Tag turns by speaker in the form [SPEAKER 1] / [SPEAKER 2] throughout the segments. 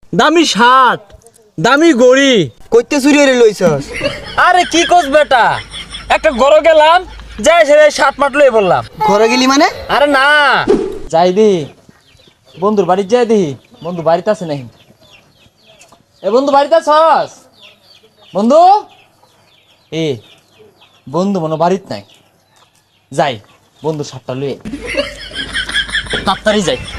[SPEAKER 1] দামি শার্ট, দামি গড়ি।
[SPEAKER 2] কইতে চুরি হয়ে লইছস?
[SPEAKER 1] আরে কি কোস বেটা, একটা গরো গেলাম, যাই সেরে শার্ট মাট লয়ে বললাম।
[SPEAKER 2] ঘরে গেলি মানে?
[SPEAKER 1] আরে না, যাই দি বন্ধুর বাড়ি, যাই দি বন্ধু বাড়িতে আছে নাকি। এ বন্ধু বাড়িতে আছস? বন্ধু এ বন্ধু মনে বাড়িত নাই। যাই বন্ধু শার্টটা লয়ে তাড়াতাড়ি যাই।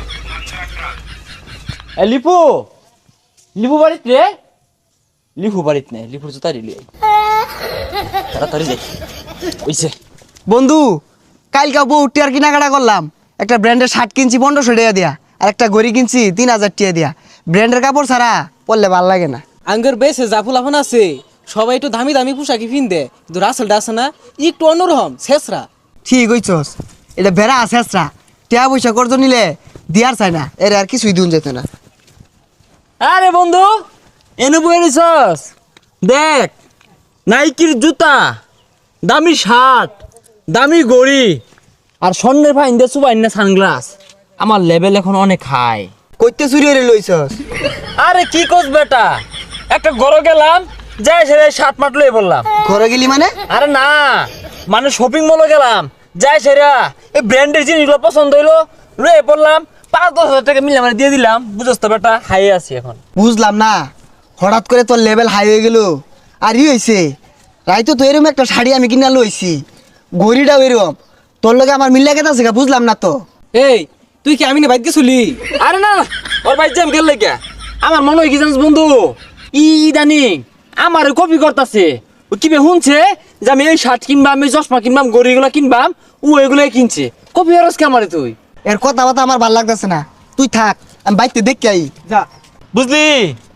[SPEAKER 1] এ লিপু, লিপু বাড়িত রে? লিপু বাড়িত নাই, লিপুর জুতা দিলি। তাড়াতাড়ি যাই। ওইছে
[SPEAKER 2] বন্ধু, কালকে বউ টিয়ার কেনাকাটা করলাম। একটা ব্র্যান্ডের শার্ট কিনছি 1500 টাকা দিয়া, আর একটা ঘড়ি কিনছি 3000 টাকা দিয়া। ব্র্যান্ডের কাপড় ছাড়া পরলে ভাল লাগে না।
[SPEAKER 3] আঙ্গের বেশে জাফুলাফান আছে, সবাই একটু দামি দামি পোশাকি পিনদে, কিন্তু রাসেলটা আছে না একটু অন্যরকম শেষরা।
[SPEAKER 2] ঠিক হইছস, এটা বেড়া আছে আসরা। টিয়া পয়সা করজ নিলে দিয়ার চাই না, এর আর কিছুই দিন যেত না।
[SPEAKER 1] আরে বন্ধু এনে বয়ে নিছস, দেখ নাইকির জুতা, দামি শার্ট, দামি গড়ি, আর স্বর্ণের ফাইন দিয়ে সুবাইন না সানগ্লাস। আমার লেভেল এখন অনেক হাই।
[SPEAKER 2] কইতে চুরি হয়ে লইছস?
[SPEAKER 1] আরে কি কোস বেটা, একটা গরো গেলাম, যাই সেরে শার্ট মাট লয়ে বললাম।
[SPEAKER 2] ঘরে গেলি মানে?
[SPEAKER 1] আরে না, মানে শপিং মলে গেলাম, যাই সেরা এই ব্র্যান্ডের জিনিসগুলো পছন্দ হইলো, লয়ে পড়লাম। 5-10 হাজার টাকা মিলে মানে দিয়ে দিলাম। বুঝছ তো বেটা, হাই আছি এখন।
[SPEAKER 2] বুঝলাম না, হঠাৎ করে তোর লেভেল হাই হয়ে গেল। আর ই হয়েছে, রাইতো তো এরকম একটা শাড়ি আমি কিনা লইছি, ঘড়িটাও এরকম। তোর লগে আমার মিল্লা কেতা আছে বুঝলাম না তো।
[SPEAKER 3] এই তুই কি আমি না বাইক গেছিলি?
[SPEAKER 1] আরে না, ওর ভাই জ্যাম গেল লেগে আমার মনে হয় কি জানিস বন্ধু, ইদানিং আমার কপি করতেছে। ও কি শুনছে যে আমি এই শার্ট কিনবাম, এই চশমা কিনবাম, গড়িগুলো কিনবাম, ও এগুলাই কিনছে। কপি হরস কে আমারে তুই?
[SPEAKER 2] এর কথা বাতা আমার ভাল লাগতেছে না, তুই থাক, আমি বাইকতে দেখতে আই।
[SPEAKER 3] যা।
[SPEAKER 1] বুঝলি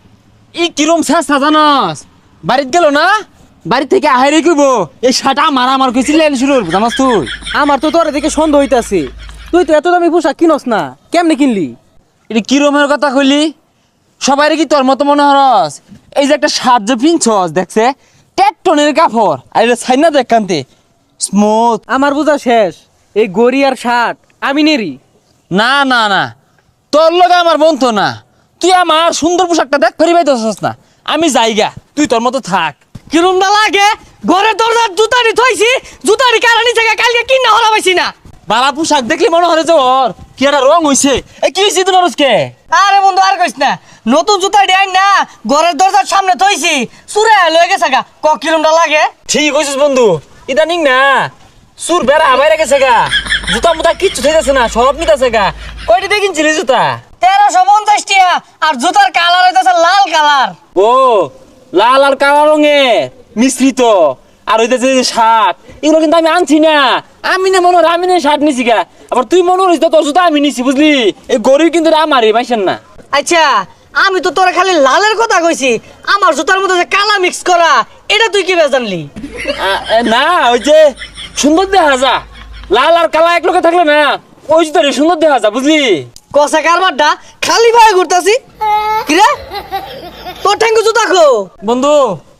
[SPEAKER 1] ই কিরম চেষ্টা জানস, বাড়িতে গেল না, বাড়ি থেকে আহারে কইব এই শার্ট আমার কইছিলেন শুরু জানাস তুই।
[SPEAKER 3] আমার তো তোর দেখে সন্দেহ হইতাছে, তুই তো এত দামি পোশাক কিনস না, কেমনে কিনলি?
[SPEAKER 1] এটা কিরমের কথা কইলি? সবাই কি তোর মতো মনে হরস? এই যে একটা শার্ট যে পিনছস দেখছে টেকটনের কাপড়, আর এটা ছাইনা দেখ কান্তে স্মুথ।
[SPEAKER 3] আমার বোঝা শেষ, এই গড়ি আর শার্ট আমি নেরি।
[SPEAKER 1] না না না, তোর লগে আমার বন্ধু না, তুই আমার সুন্দর পোশাকটা দেখ ফেরি পাইতেছস না। আমি যাইগা, তুই তোর মতো থাক।
[SPEAKER 3] কিরম না লাগে, ঘরের দরজার জুতারি থইছি, জুতারি কারণে জায়গা কালকে কিনা হলা পাইছি না।
[SPEAKER 1] বালা পোশাক দেখলি মনে হয় যে ওর কি একটা রং হইছে। এই কি হইছে তোর আজকে?
[SPEAKER 4] আরে বন্ধু আর কইস না, নতুন জুতা ডিয়াই না ঘরের দরজার সামনে থইছি, চুরে লয়ে গেছে গা। কিলোমটা লাগে?
[SPEAKER 1] ঠিক কইছিস বন্ধু, ইদানিং না সুর বেড়া বাইরে গেছে গা, জুতা মুতা কিচ্ছু থাকতেছে না, সব নিতেছে গা। কয়টা দিয়ে কিনছিলি জুতা?
[SPEAKER 4] 1350 টাকা, আর জুতার কালার হইতাছে লাল কালার।
[SPEAKER 1] ও লাল আর কালো রঙের মিশ্রিত। আর হইতেছে যে শার্ট, এগুলো কিন্তু আমি আনছি না। আমি না মনে হয় আমি না শার্ট নিছি গা, আবার তুই মনে হইস তোর জুতা আমি নিছি। বুঝলি এই গরিব কিন্তু আমারই পাইছেন না।
[SPEAKER 4] আচ্ছা, আমি তো তোরা খালি লালের কথা কইছি, আমার জুতার মধ্যে যে কালা মিক্স করা, এটা তুই কি জানলি?
[SPEAKER 1] না ওই যে সুন্দর দেখা যা, লাল আর কালা এক লোকে থাকলে না ওই জুতারই সুন্দর দেখা যা। বুঝলি
[SPEAKER 4] কষা কারবারটা খালি ভাবে ঘুরতাছি। কিরে তোর ঠ্যাঙ্গু জুতা খো
[SPEAKER 1] বন্ধু,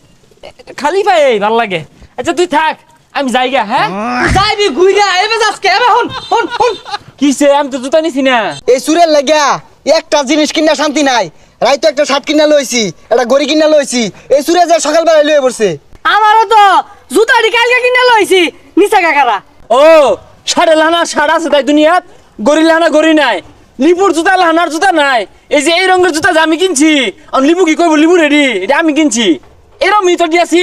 [SPEAKER 1] খালি পাই ভাল লাগে। আচ্ছা তুই থাক, আমি যাইগা। হ্যাঁ
[SPEAKER 4] যাইবি ঘুইরা এবে যাসকে এবে হন হন হন।
[SPEAKER 1] কিসে, আমি তো জুতা নিছি না।
[SPEAKER 2] এই সুরের লাগিয়া একটা জিনিস কিনা শান্তি নাই। রাইতো একটা শার্ট কিনা লইছি, একটা ঘড়ি কিনা লইছি, এই সুরে যে সকালবেলা লয়ে পড়ছে।
[SPEAKER 4] আমারও তো জুতাটি কালকে কিনে লইছি, নিচা কাকারা।
[SPEAKER 1] ও সাড়ে লানা সাড়া আছে তাই দুনিয়াত, গড়ি লানা গড়ি নাই, লিপুর জুতা লানার জুতা নাই। এই যে এই রঙের জুতা যে আমি কিনছি, আর লিপু কি কইব লিপু রেডি, এটা আমি কিনছি। এরম মিতর দিয়েছি।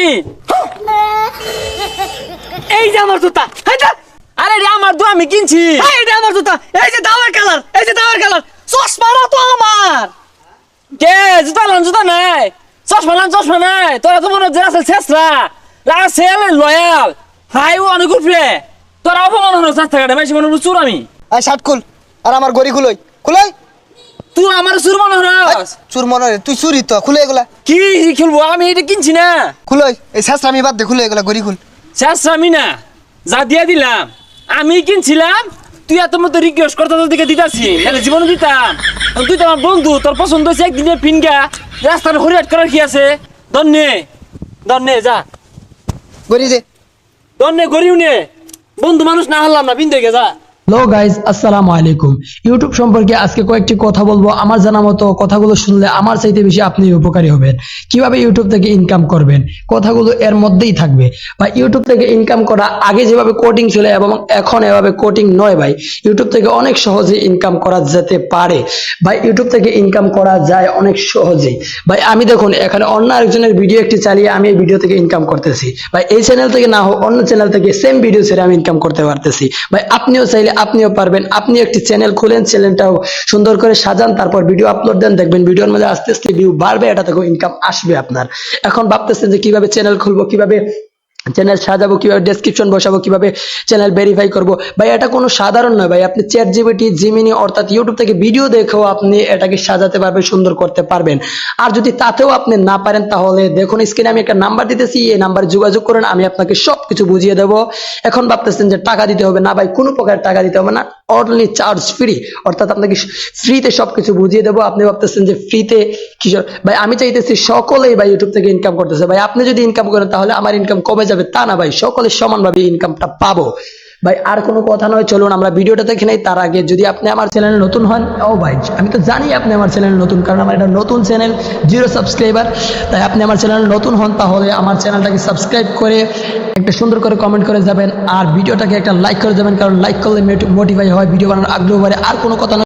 [SPEAKER 4] এই যে আমার জুতা,
[SPEAKER 1] আরে রে আমার তো আমি কিনছি।
[SPEAKER 4] এই যে আমার জুতা, এই যে দাওয়ার কালার, এই যে দাওয়ার কালার, চশমাটা তো আমার।
[SPEAKER 1] কে জুতা লান জুতা নাই, চশমা লান চশমা নাই। তোরা তো মনে হচ্ছে রাসেল শেষরা, রাসেল লয়াল হাই ও অনেক উঠবে। তোরা অপমান হলো চেষ্টা কাটে মাইসি মনে চুর আমি।
[SPEAKER 2] আর শার্ট খুল, আর আমার ঘড়ি খুলই খুলই।
[SPEAKER 1] তুই আমার চুর মনে হস?
[SPEAKER 2] চুর মনে হয় তুই চুরি তো, খুলে এগুলা।
[SPEAKER 1] কি খেলবো আমি, এটা কিনছি না।
[SPEAKER 2] খুলই, এই শেষরা আমি বাদ দে, খুলে এগুলা ঘড়ি খুল।
[SPEAKER 1] শেষ আমি না, যা দিয়া দিলাম আমি কিনছিলাম। তুই এত মতো রিকোয়েস্ট করতে তোর দিকে দিতাছি, নাহলে জীবনে দিতাম। তুই তো আমার বন্ধু, তোর পছন্দ হয়েছে একদিনে ফিনগা রাস্তার হরিয়াট করার কি আছে? ধন্যে ধন্যে যা
[SPEAKER 2] ঘড়ি দে।
[SPEAKER 1] ধন্যে গরিব নে, বন্ধু মানুষ না হারলাম না, বিন্দু গে যা।
[SPEAKER 5] হ্যালো গাইজ, আসসালামু আলাইকুম। ইউটিউব সম্পর্কে আজকে কয়েকটি কথা বলবো। আমার জানা মতো কথাগুলো শুনলে আমার চাইতে বেশি আপনি উপকারী হবেন। কিভাবে ইউটিউব থেকে ইনকাম করবেন, কথাগুলো এর মধ্যেই থাকবে। বা ইউটিউব থেকে ইনকাম করা আগে যেভাবে কোডিং ছিল এবং এখন এভাবে কোডিং নয় ভাই। ইউটিউব থেকে অনেক সহজে ইনকাম করা যেতে পারে ভাই। ইউটিউব থেকে ইনকাম করা যায় অনেক সহজেই ভাই। আমি দেখুন এখানে অন্য আরেকজনের ভিডিও একটি চালিয়ে আমি এই ভিডিও থেকে ইনকাম করতেছি ভাই। এই চ্যানেল থেকে না হোক অন্য চ্যানেল থেকে সেম ভিডিও ছেড়ে আমি ইনকাম করতে পারতেছি ভাই। আপনিও চাইলে আপনিও পারবেন। আপনি একটি চ্যানেল খুলেন, চ্যানেলটাও সুন্দর করে সাজান, তারপর ভিডিও আপলোড দেন, দেখবেন ভিডিওর মধ্যে আস্তে আস্তে ভিউ বাড়বে, এটা থেকেও ইনকাম আসবে আপনার। এখন ভাবতেছেন যে কিভাবে চ্যানেল খুলবো, কিভাবে চ্যানেল সাজাবো, কিভাবে ডেসক্রিপশন বসাবো, কিভাবে চ্যানেল ভেরিফাই করবো ভাই। এটা কোনো সাধারণ নয় ভাই। আপনি চ্যাট জিপিটি, জিমিনি অর্থাৎ ইউটিউব থেকে ভিডিও দেখেও আপনি এটাকে সাজাতে পারবেন, সুন্দর করতে পারবেন। আর যদি তাতেও আপনি না পারেন তাহলে দেখুন স্ক্রিনে আমি একটা নাম্বার দিতেছি, এই নাম্বারে যোগাযোগ করেন, আমি আপনাকে সবকিছু বুঝিয়ে দেবো। এখন ভাবতেছেন যে টাকা দিতে হবে, না ভাই, কোনো প্রকার টাকা দিতে হবে না, অনলি চার্জ ফ্রি, অর্থাৎ আপনাকে ফ্রিতে সবকিছু বুঝিয়ে দেবো। আপনি ভাবতেছেন যে ফ্রিতে কিশোর ভাই, আমি চাইতেছি সকলেই ভাই ইউটিউব থেকে ইনকাম করতেছে ভাই। আপনি যদি ইনকাম করেন তাহলে আমার ইনকাম কমে যাবে তা না ভাই, সকলে সমানভাবে ইনকামটা পাবো ভাই। আর কোনো কথা নয়, চলুন আমরা ভিডিওটা দেখে নেই। তার আগে যদি আপনি আমার চ্যানেলে নতুন হন, ও ভাই আমি তো জানি আপনি আমার চ্যানেলে নতুন, কারণ আমার এটা নতুন চ্যানেল, 0 সাবস্ক্রাইবার। তাই আপনি আমার চ্যানেলে নতুন হন তাহলে আমার চ্যানেলটাকে সাবস্ক্রাইব করে একটা সুন্দর করে কমেন্ট করে যাবেন, আর ভিডিওটাকে একটা লাইক করে যাবেন, কারণ লাইক করলে মোটিফাই হয়, ভিডিও বানানোর আগ্রহ বাড়ে। আর কোনো কথা নয়।